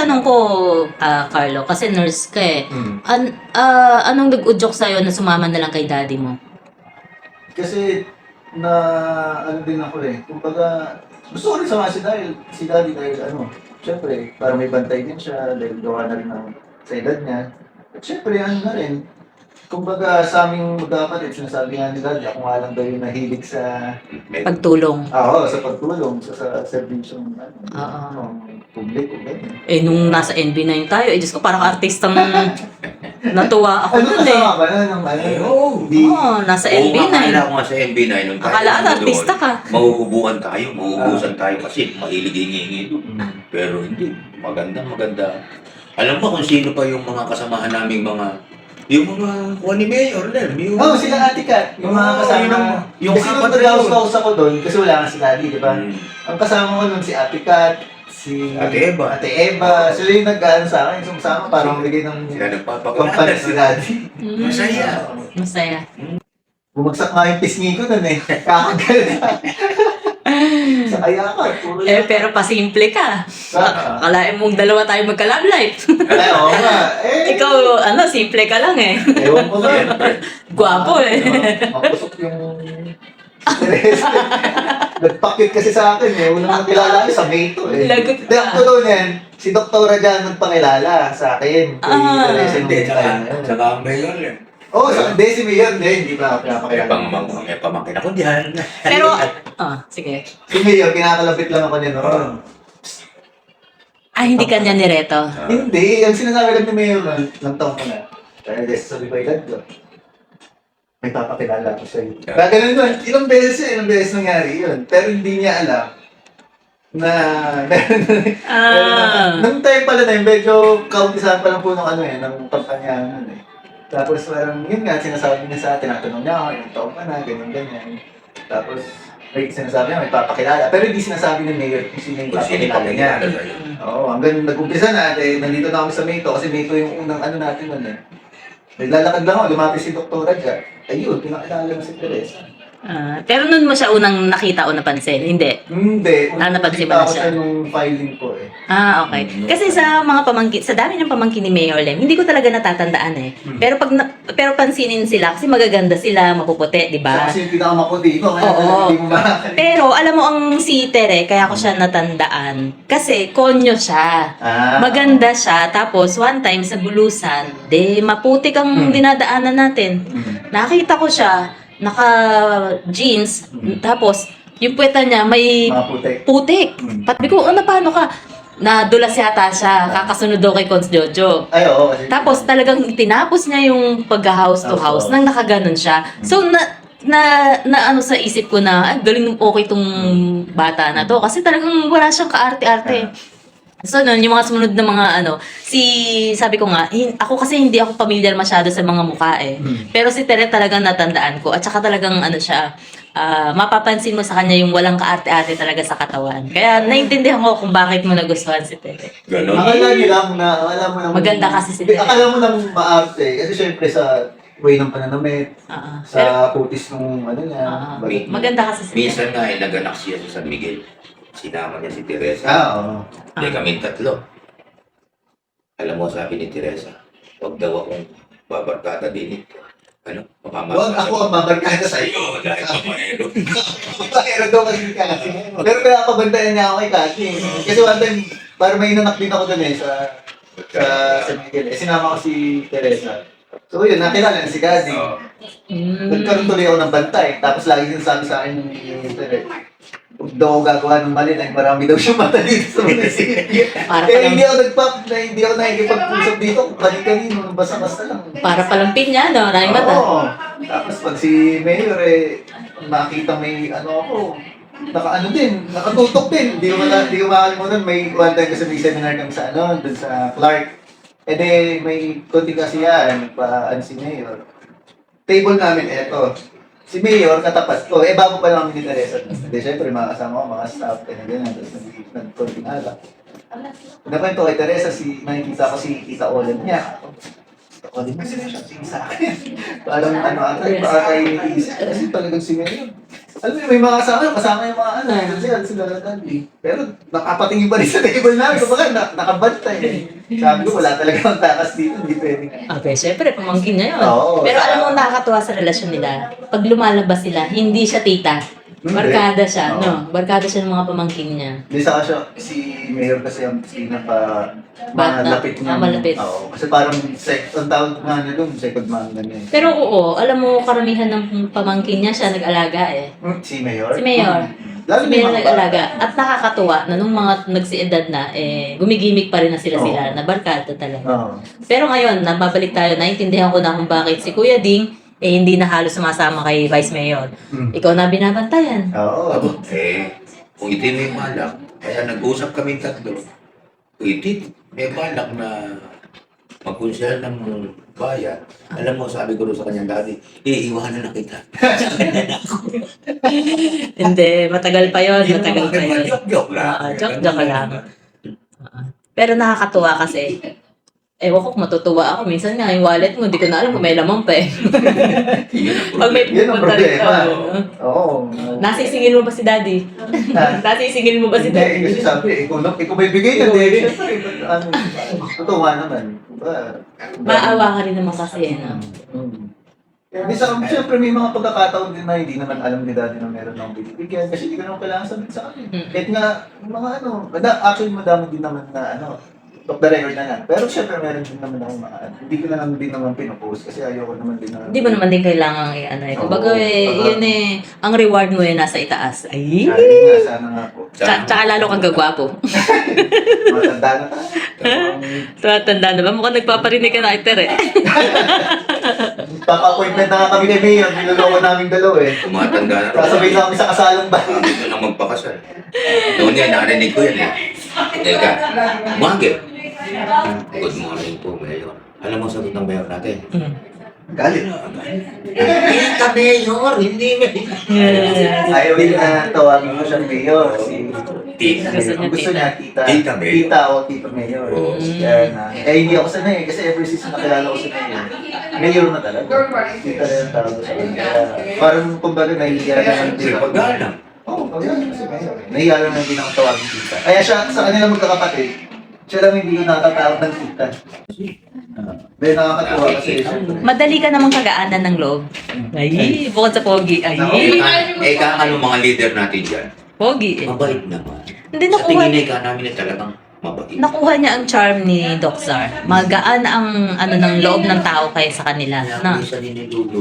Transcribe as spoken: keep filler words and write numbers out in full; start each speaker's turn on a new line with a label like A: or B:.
A: tanong ko, ah, Carlo, kasi nurse ka eh.
B: Hmm.
A: An ah, anong nag-udyok sa'yo na sumama na lang kay daddy mo?
B: Kasi na ano din ako eh. Kumbaga, gusto ko rin sama si dahil si daddy dahil ano, syempre, para may bantay din siya dahil gawa na rin ng sa edad niya. At syempre, ano na rin, kumbaga sa aming magkakapatid, sinasabi nga ni daddy, ako nga lang daw yung nahilig sa
A: Pagtulong.
B: ah, oo, sa pagtulong, sa, sa servisyon ano,
A: Oo.
B: ng publiko, ganyan.
A: Eh, nung nasa N B nine tayo, eh, Diyos ko, parang artistang natuwa ako
B: Ano
A: nun eh.
B: kasama ba na ng ano?
C: Eh, oo.
B: Hindi.
A: Oo, nasa N
C: Oo,
A: B nine.
C: akala ko nga sa N B nine. Nung tayo
A: Akala
C: nandun,
A: artista ka.
C: Mahuhubukan tayo, mahuhubusan tayo kasi mahilig hingi doon.
B: Mm.
C: Pero hindi, maganda, maganda. Alam mo kung sino pa yung mga kasamahan naming mga, yung mga kuha ni Mayor, Len. Yung,
B: Oo, oh, sila Ate Kat, yung mga
C: Oo,
B: kasama.
C: yun ang-
B: yung
C: yung
B: kasi
C: apat
B: nung
C: na yun.
B: nag-house ako doon, kasi wala nga si Daddy, di ba?
C: Hmm.
B: Ang kasama ko nun si Ate Kat, si
C: Ate Eva.
B: Ate Eva. Sila yung nag-ano sa akin, sumasama, parang bigay ng
C: Sila
B: pampalit si
C: nagpapaganda.
B: Daddy.
A: Mm.
C: Masaya.
A: Masaya.
B: Bumagsak nga yung pisngi ko nun eh. Kakagal na. Sa kaya ka, puro
A: Eh,
B: yan.
A: pero pasimple ka.
B: Sa-
A: Akalain mong dalawa tayo magka-love life.
B: Ay, oo nga. Eh,
A: Ikaw, ano, simple ka lang eh.
B: ewan ko nga.
A: Gwapo eh.
B: Mapusok yung Teresa. Nagpakit kasi sa akin eh. Unang nakilala ko sa May to eh.
A: Lagot
B: Hindi, ang
A: ka.
B: totoo niyan, si Doktora Jan nagpakilala sa akin. Kay
A: Ah.
B: Teresa nung
C: Hindi,
B: time
C: tsaka,
B: na yun.
C: tsaka ang Mayor, Len.
B: Oo, sa hindi si Mayor, hindi, hindi pa
C: May
B: pinapakilala.
C: pang may pamangkin ako diyan.
A: Pero, ah, sige.
B: Si Mayor, kinakalapit lang ako niya noon.
A: Ah, hindi ka niya nireto.
C: Ah.
B: Hindi, ang sinasabi lang ni Mayor nun, lang taong ko na. Kaya dahil sabi ko, edad ko. May papakilala ko sa'yo.
C: Yeah.
B: Kaya ganun nun, ilang beses yun, ilang beses nangyari yun. Pero hindi niya alam na
A: Ah.
B: nung time pala na yun, medyo kaumpisahan pa lang po ng ano eh, ng kampanya nun eh. Tapos parang yun nga, sinasabi niya sa atin, tinatanong niya ako, ilang taon ka na, ganyan, ganyan. Tapos may sinasabi niya, may papakilala. Pero hindi sinasabi ng mayor kung sino yung
C: Kung sino
B: papakilala niya.
C: papakilala sa'yo.
B: Oo, hanggang nag-umpisa na, eh, nandito na kami sa Mayto kasi Mayto yung unang ano natin nun eh. Naglalakad lang ako, lumapit si Doktora Jan. Ayun, pinakilala mo si Teresa.
A: Ah, pero nun mo siya unang nakita o napansin? Hindi.
B: Hindi.
A: Ah, napansin mo
B: nakita
A: na
B: ko
A: siya.
B: nung filing ko eh.
A: Ah, okay. Kasi sa mga pamangkin, sa dami ng pamangkin ni Mayor Lem, hindi ko talaga natatandaan eh.
B: Hmm.
A: Pero pag na- pero pansinin sila kasi magaganda sila, mapuputi, 'di
B: Siya
A: ba?
B: kasi yung pinakamaputi ko, kaya
A: Oo.
B: hindi mo makakalimutan.
A: Pero alam mo ang si Tere, kaya ko siya natandaan kasi konyo siya.
B: Ah,
A: Maganda siya, tapos one time sa Bulusan, de maputik ang
B: Hmm.
A: dinadaanan natin.
B: Mm.
A: Nakita ko siya, naka-jeans,
B: Hmm.
A: tapos yung puweta niya may
B: Maputi.
A: putik.
B: Hmm.
A: Patbi ko, ano, paano ka? Nadulas yata siya, kakasunod daw kay Cons Jojo.
B: Ay, oo. Kasi,
A: Tapos talagang tinapos niya yung pag-house to house
B: House to
A: nang nakaganon siya. So, na, na, na ano sa isip ko na, ay, galing okay tong bata na to. Kasi talagang wala siyang kaarte-arte. So, nun, yung mga sumunod na mga ano, si, sabi ko nga, hin- ako kasi hindi ako familiar masyado sa mga mukha eh.
B: Hmm.
A: Pero si Tere talagang natandaan ko. At saka talagang ano siya, ah, mapapansin mo sa kanya yung walang kaarte-arte talaga sa katawan. Kaya naintindihan ko kung bakit mo nagustuhan si Tere.
C: Ganon.
B: akala niyo lang na, akala mo nang...
A: Maganda kasi si
B: Hindi,
A: Tere.
B: akala mo nang maarte. Kasi syempre sa way ng pananamit,
A: Ah, ah. Pero,
B: sa putis nung ano niya.
A: ah,
B: balat niya.
A: maganda kasi si Tere.
C: Minsan nga eh, naganak siya sa San Miguel. Sinama niya si Teresa.
B: Ah, oo.
C: Hindi kami tatlo. Alam mo, sabi ni Teresa, huwag daw akong babarkada din ito. Ano? Makamas-
B: Huwag ako ang babarkada sa iyo.
C: Sa'yo, dahil pamaero.
B: Pero daw kasi kasi. Pero pinakabantayan niya ako kay Kati. Kasi one time, parang may nanak din ako dun eh sa sa San Miguel. Eh, sinama ko si Teresa. So yun, nakilala na si Kati.
C: Oo.
A: Mm.
B: Nagkaroon tuloy ako ng bantay. Tapos lagi sinasabi sa akin ni Teresa, huwag daw ako gagawa ng mali dahil marami daw siya mata dito sa munisipyo.
A: Para
B: Eh,
A: palang,
B: hindi ako nagpap, na hindi ako nakikipag-usap dito. Kani-kanino, basta-basta lang.
A: para palang pinya, no? Maraming mata.
B: Oo. Tapos pag si Mayor eh, nakita may ano ako, naka ano din, nakatutok din. Hindi ko mala, hindi ko makalimutan, may one time kasi may seminar kami sa ano, dun sa Clark. Eh di, may konti kasi yan, pa ano si Mayor. Table namin, eto. Si Mayor, katapat ko. Eh, bago pa lang kami ni Teresa. Hindi, syempre, mga kasama ko, mga staff, kaya ganyan. Tapos nag- nag-konting alak. Nakwento kay Teresa, si, nakikita ko si Tita Olen niya. Tita Olen, kasi siya tingin sa akin. Parang ano ata, baka kayo iniisip. Kasi talagang si Mayor. Alam mo, may mga kasama, kasama yung mga ano, kasi ano sila lang pero nakapatingin pa rin sa table namin, kumbaga na, nakabantay. Sabi ko, wala talaga ang takas dito, hindi pwede.
A: Okay, syempre, pamangkin niya yun.
B: Oo.
A: Pero alam mo, nakakatuwa sa relasyon nila. Pag lumalabas sila, hindi siya tita.
B: Hindi.
A: Barkada siya,
B: Oo.
A: no? Barkada siya ng mga pamangkin niya.
B: Hindi sa siya, si Mayor kasi ang pinaka
A: Bata.
B: malapit niya.
A: Ah, malapit.
B: Oo, kasi parang sec, ang tawag nga niya doon, second man na niya.
A: Pero oo, alam mo, karamihan ng pamangkin niya siya nag-alaga eh.
B: Hmm, Si Mayor?
A: Si Mayor.
B: Lalo
A: Si
B: yung
A: Mayor
B: mga
A: nag-alaga.
B: bata.
A: At nakakatuwa na nung mga nagsiedad na, eh, gumigimik pa rin na sila
B: Oo.
A: sila, na barkada talaga.
B: Oo.
A: Pero ngayon, nababalik tayo, naintindihan ko na kung bakit si Kuya Ding, eh, hindi na halos sumasama kay Vice Mayor.
B: Hmm.
A: Ikaw na binabantayan.
B: Oo.
C: Abo, eh, kung iti may balak, kaya nag-usap kami tatlo. Kung iti may balak na magkonsyal ng bayan, alam mo, sabi ko rin sa kanyang dati, iiwanan na kita.
A: Hindi, matagal pa yon, matagal pa yun.
C: Joke-joke lang.
A: Oo, joke-joke lang. Oo. Pero nakakatuwa kasi. Ewan ko kung matutuwa ako. Minsan nga, yung wallet mo, hindi ko na alam kung may laman pa eh. Pag may
B: Yun ang
A: pupunta rin
B: problema.
A: ka.
B: Oo.
A: Nasisingil mo ba si daddy? Nasisingil mo ba si
B: Hindi,
A: daddy?
B: kasi sabi, ikaw, na- ikaw may bigay na din. Siyempre, ano, totoo nga naman. Diba?
A: Maawa ka rin naman kasi eh, no?
B: Hmm. Hindi sa siyempre may mga pagkakataon din na hindi naman alam ni daddy na meron akong binibigyan kasi hindi ko naman kailangan sabihin sa akin.
A: Mm.
B: Kahit nga, yung mga ano, mada- actually madami din naman na ano, top the record na nga. Pero siyempre meron din naman ako mga, hindi ko na naman din naman pinupost kasi ayoko naman din na.
A: Hindi mo naman din kailangan eh, ano eh. Kumbaga
B: Oo.
A: eh, yun eh, ang reward mo eh, nasa itaas. Ay!
B: Sabi nga, sana nga po.
A: Tsaka, tsaka lalo kang gagwapo.
B: Matanda na tayo.
A: Tumatanda na ba? Mukhang nagpaparinig ka na iter eh.
B: Papa-appointment na nga kami ni Mayor, niloloko namin dalawa eh.
C: Tumatanda na rin.
B: Kasabay na kami sa kasalang ba?
C: Gusto na magpakasal. Noon yan, narinig ko yan eh. Teka, Mangge. Good morning po, Mayor. Alam mo, sagot ng Mayor natin.
A: Mm.
B: Galit.
C: Hindi ka Mayor, hindi Mayor.
B: Ayaw din na tawagin mo siyang Mayor. Si
C: Tita.
A: Gusto niya
B: gusto niya tita.
C: Tita Mayor.
B: Tita o tita Mayor.
C: Oo.
B: Kaya na. Eh hindi ako sanay kasi ever since nakilala ko si Mayor. Mayor na talaga. Tita na yung tawag ko sa kanya. Kaya parang kumbaga nahihiya naman din ako.
C: Paggalang.
B: Oo, paggalang si Mayor. Nahihiya naman din ako tawagin tita. Kaya siya, sa kanila magkakapatid, siya lang hindi ko nakatawag ng tita. Dahil nakakatuwa kasi siyempre.
A: Madali ka namang kagaanan ng loob. Ay, bukod sa pogi. Ay,
C: Eh, ka, eh, ka, ano mga leader natin dyan?
A: pogi eh.
C: Mabait naman.
A: Hindi,
C: Sa
A: nakuha,
C: tingin ay ka namin na talagang mabait.
A: nakuha niya ang charm ni Doc Zar. Magaan ang ano ng loob ng tao kaya sa kanila.
C: Kaya
A: Na.
C: minsan nilululo